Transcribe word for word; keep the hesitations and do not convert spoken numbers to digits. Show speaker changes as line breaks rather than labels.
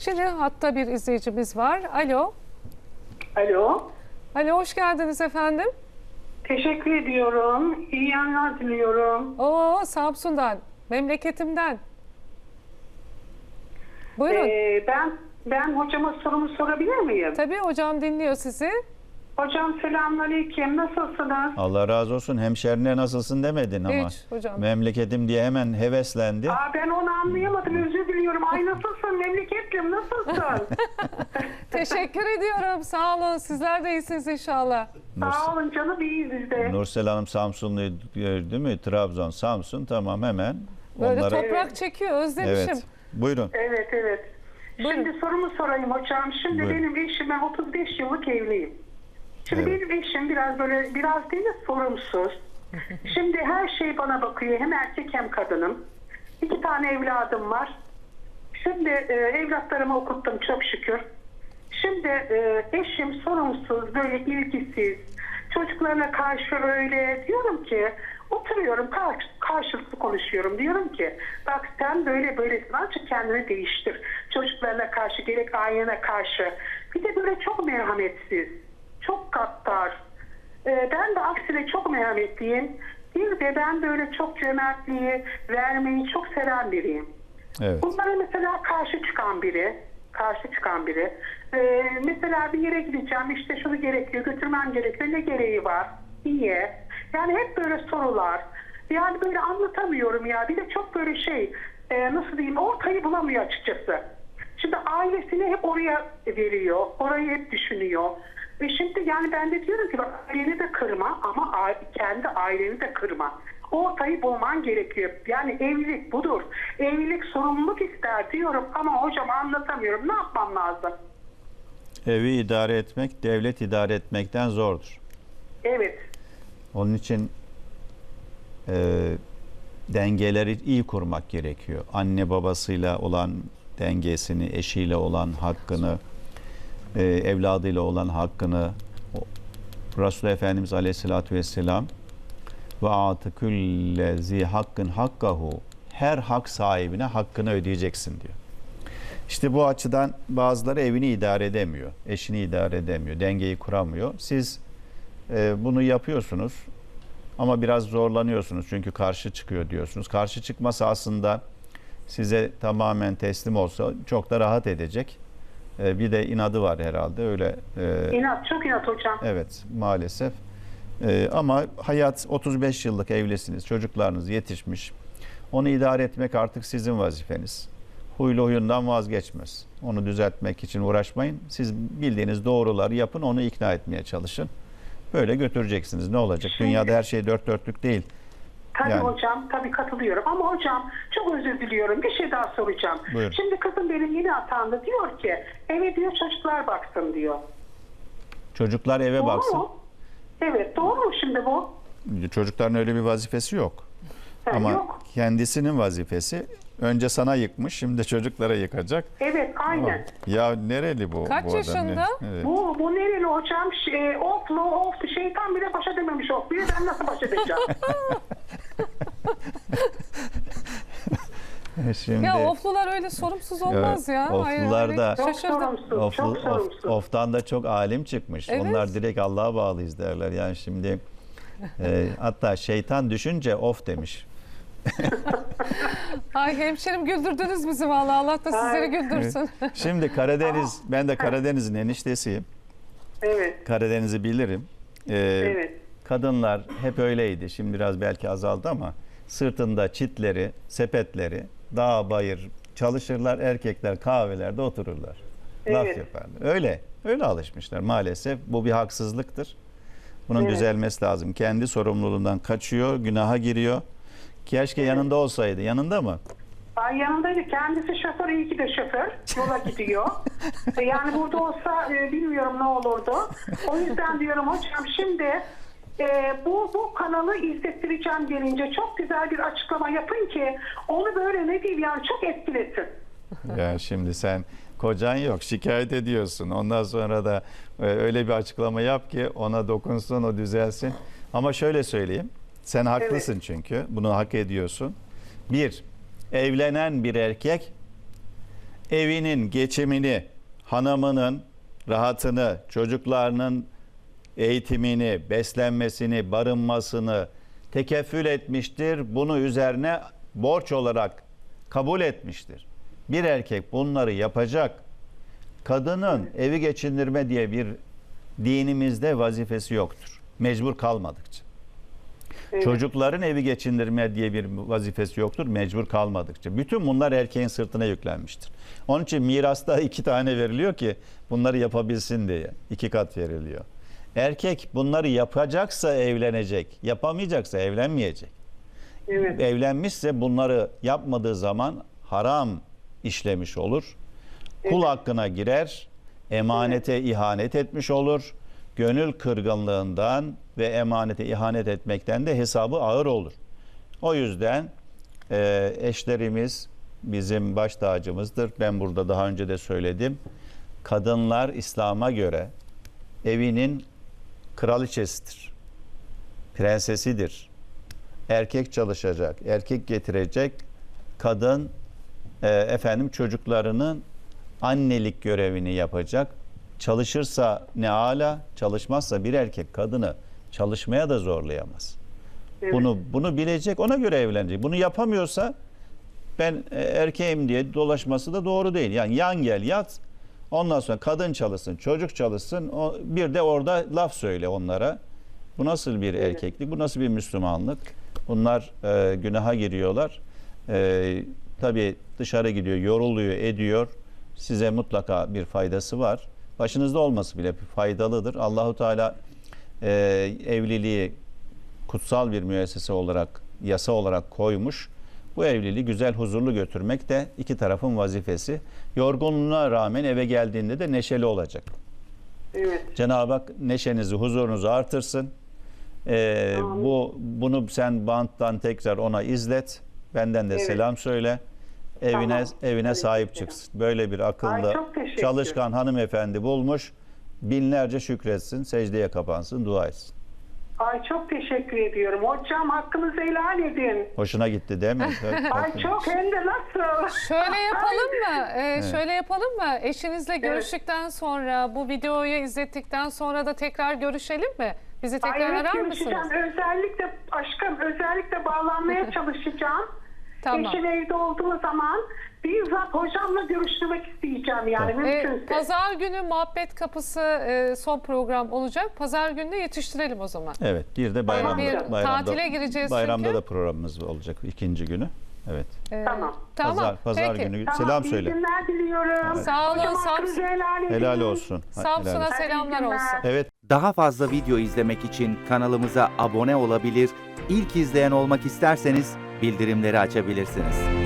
Şimdi hatta bir izleyicimiz var. Alo.
Alo.
Alo, hoş geldiniz efendim.
Teşekkür ediyorum. İyi yayınlar diliyorum.
Oo, Samsun'dan, memleketimden. Buyurun.
Ee, ben ben hocama sorumu sorabilir miyim?
Tabii, hocam dinliyor sizi.
Hocam selamünaleyküm. Nasılsınız?
Allah razı olsun. Hemşerine nasılsın demedin ama.
Hiç hocam.
Memleketim diye hemen heveslendi.
Aa, ben onu anlayamadım. Özür diliyorum. Ay nasılsın memleketlim? Nasılsın?
Teşekkür ediyorum. Sağ olun. Sizler de iyisiniz inşallah.
Sağ olun canım. İyiyiz biz de.
Nursel Hanım Samsunlu değil mi? Trabzon, Samsun, tamam hemen.
Böyle
Onlara...
toprak
Evet.
çekiyor. Özlemişim.
Evet. Buyurun.
Evet evet.
Buyurun.
Şimdi sorumu sorayım hocam. Şimdi
Buyurun.
benim eşim, ben otuz beş yıllık evliyim. Şimdi
Evet.
benim eşim biraz böyle, biraz değil de sorumsuz. Şimdi her şey bana bakıyor. Hem erkek hem kadınım. İki tane evladım var. Şimdi e, evlatlarımı okuttum çok şükür. Şimdi e, eşim sorumsuz, böyle ilgisiz. Çocuklarına karşı öyle diyorum ki, oturuyorum karşı, karşılıklı konuşuyorum. Diyorum ki bak sen böyle böylesin, ancak kendini değiştir. Çocuklarına karşı, gerek ailene karşı. Bir de böyle çok merhametsiz, çok gaddar. Ee, ben de aksine çok merhametliyim. Bir de ben böyle çok cömertliği, vermeyi çok seven biriyim.
Evet.
Bunlara mesela karşı çıkan biri, karşı çıkan biri. Ee, mesela bir yere gideceğim, işte şunu gerekiyor, götürmem gerekiyor, ne gereği var, niye? Yani hep böyle sorular. Yani böyle anlatamıyorum ya. Bir de çok böyle şey, e, nasıl diyeyim, ortayı bulamıyor açıkçası. Şimdi ailesini hep oraya veriyor, orayı hep düşünüyor. Ve şimdi yani ben de diyorum ki bak, aileni de kırma ama a- kendi aileni de kırma. Ortayı bulman gerekiyor. Yani evlilik budur. Evlilik sorumluluk ister diyorum ama hocam anlatamıyorum. Ne yapmam lazım?
Evi idare etmek, devlet idare etmekten zordur.
Evet.
Onun için e, dengeleri iyi kurmak gerekiyor. Anne babasıyla olan dengesini, eşiyle olan hakkını, e, evladıyla olan hakkını, o- Resul Efendimiz Aleyhisselatü Vesselam ve atı külle zi hakkın hakkahu, her hak sahibine hakkını ödeyeceksin diyor. İşte bu açıdan bazıları evini idare edemiyor, eşini idare edemiyor, dengeyi kuramıyor. Siz e, bunu yapıyorsunuz ama biraz zorlanıyorsunuz çünkü karşı çıkıyor diyorsunuz. Karşı çıkması aslında size tamamen teslim olsa çok da rahat edecek. E, bir de inadı var herhalde öyle. E,
İnat, çok inat hocam.
evet maalesef. E, ama hayat otuz beş yıllık evlisiniz, çocuklarınız yetişmiş. Onu idare etmek artık sizin vazifeniz. Huylu huyundan vazgeçmez. Onu düzeltmek için uğraşmayın. Siz bildiğiniz doğruları yapın, onu ikna etmeye çalışın. Böyle götüreceksiniz. Ne olacak? Dünyada her şey dört dörtlük değil.
Tabii
Yani.
hocam, tabii katılıyorum. Ama hocam çok özür diliyorum. Bir şey daha soracağım.
Buyurun.
Şimdi kızım benim yeni atandı. Diyor ki eve diyor çocuklar baksın diyor.
Çocuklar eve
Doğru
baksın.
mu? Evet, doğru mu şimdi bu?
Çocukların öyle bir vazifesi yok.
Ha,
Ama
yok.
kendisinin vazifesi önce sana yıkmış, şimdi de çocuklara yıkacak.
Evet, aynen.
Ya nereli bu?
Kaç
bu adam?
yaşında?
Evet.
Bu, bu nereli hocam? Şey, oflu, oflu, şeytan bile baş edememiş of. Bir de ben nasıl baş edeceğim?
Şimdi
Ya oflular öyle sorumsuz olmaz ya.
oflular
Ay,
da-
Çok
şaşırdım.
sorumsuz,
Oflu-
çok
of-
sorumsuz.
oftan da çok alim çıkmış.
Evet.
Onlar direkt Allah'a bağlıyız derler. Yani şimdi e, hatta şeytan düşünce of demiş.
Ay hemşerim, güldürdünüz bizi vallahi. Allah da sizleri
Ay.
güldürsün.
Şimdi Karadeniz, ben de Karadeniz'in eniştesiyim.
Evet,
Karadeniz'i bilirim. Ee,
evet.
Kadınlar hep öyleydi. Şimdi biraz belki azaldı ama sırtında çitleri, sepetleri, dağ bayır çalışırlar. Erkekler kahvelerde otururlar. Laf
Evet.
yaparlar. Öyle. Öyle alışmışlar maalesef. Bu bir haksızlıktır. Bunun
Evet.
düzelmesi lazım. Kendi sorumluluğundan kaçıyor, günaha giriyor. Keşke yanında olsaydı. Yanında mı?
Ay yanındaydı. Kendisi şoför, iyi ki de şoför. Yola gidiyor. E, yani burada olsa e, bilmiyorum ne olurdu. O yüzden diyorum hocam şimdi e, bu bu kanalı izlettireceğim gelince çok güzel bir açıklama yapın ki onu böyle ne diyeyim yani çok etkilesin.
Ya şimdi sen kocan yok, şikayet ediyorsun. Ondan sonra da e, öyle bir açıklama yap ki ona dokunsun, o düzelsin. Ama şöyle söyleyeyim. Sen haklısın çünkü. Bunu hak ediyorsun. Bir, evlenen bir erkek evinin geçimini, hanımının rahatını, çocuklarının eğitimini, beslenmesini, barınmasını tekeffül etmiştir. Bunu üzerine borç olarak kabul etmiştir. Bir erkek bunları yapacak. Kadının evi geçindirme diye bir dinimizde vazifesi yoktur. Mecbur kalmadıkça.
Evet.
Çocukların evi geçindirme diye bir vazifesi yoktur mecbur kalmadıkça. Bütün bunlar erkeğin sırtına yüklenmiştir. Onun için mirasta iki tane veriliyor ki bunları yapabilsin diye. İki kat veriliyor. Erkek bunları yapacaksa evlenecek, yapamayacaksa evlenmeyecek.
Evet.
Evlenmişse bunları yapmadığı zaman haram işlemiş olur. Kul hakkına girer, emanete ihanet etmiş olur. Gönül kırgınlığından ve emanete ihanet etmekten de hesabı ağır olur. O yüzden e, eşlerimiz bizim baş tacımızdır. Ben burada daha önce de söyledim. Kadınlar İslam'a göre evinin kraliçesidir. Prensesidir. Erkek çalışacak, erkek getirecek. Kadın e, efendim çocuklarının annelik görevini yapacak. Çalışırsa ne ala, çalışmazsa bir erkek kadını çalışmaya da zorlayamaz.
Evet.
Bunu bunu bilecek, ona göre evlenecek. Bunu yapamıyorsa ben e, erkeğim diye dolaşması da doğru değil. Yani yan gel yat. Ondan sonra kadın çalışsın, çocuk çalışsın. O, bir de orada laf söyle onlara. Bu nasıl bir
Evet.
erkeklik? Bu nasıl bir Müslümanlık? Bunlar e, günaha giriyorlar. E, tabii dışarı gidiyor, yoruluyor, ediyor. Size mutlaka bir faydası var. Başınızda olması bile faydalıdır. Allahu Teala e, evliliği kutsal bir müessese olarak, yasa olarak koymuş. Bu evliliği güzel, huzurlu götürmek de iki tarafın vazifesi. Yorgunluğuna rağmen eve geldiğinde de neşeli olacak.
Evet.
Cenab-ı Hak neşenizi, huzurunuzu artırsın. Ee,
Amin.
bu bunu sen banttan tekrar ona izlet. Benden de
Evet.
selam söyle. Evine
Tamam.
evine
Tabii
sahip
ki.
çıksın. Böyle bir
Ay,
akıllı,
çok teşekkür.
çalışkan hanımefendi bulmuş. Binlerce şükretsin, secdeye kapansın, dua etsin.
Ay çok teşekkür ediyorum. Hocam hakkınızı helal edin.
Hoşuna gitti değil mi?
Ay çok hem de nasıl?
Şöyle yapalım mı? Ee, Şöyle yapalım mı? Eşinizle görüştükten sonra, bu videoyu izlettikten sonra da tekrar görüşelim mi? Bizi tekrar
Ay, evet,
arar
görüşeceğim.
mısınız?
Özellikle aşkım özellikle bağlanmaya çalışacağım.
Tamam.
Eşim evde olduğu zaman bizzat hocamla görüşmek isteyeceğim yani
Tamam.
Ee,
mümkünse.
Pazar günü Muhabbet Kapısı e, son program olacak. Pazar günü de yetiştirelim o zaman.
Evet, bir de bayramda,
Bir
bayramda,
tatile gireceğiz
bayramda
çünkü.
da programımız olacak ikinci günü. Evet.
Ee,
Tamam.
Tamam.
Pazar, pazar
Peki.
günü
Tamam,
selam
iyi
söyle.
günler diliyorum.
Sağ olun,
Hocam
Samsun.
hakkınızı helal edin.
Helal olsun. Helal
Samsun'a
olsun.
selamlar
günler.
olsun.
Evet.
Daha fazla video izlemek için kanalımıza abone olabilir, ilk izleyen olmak isterseniz bildirimleri açabilirsiniz.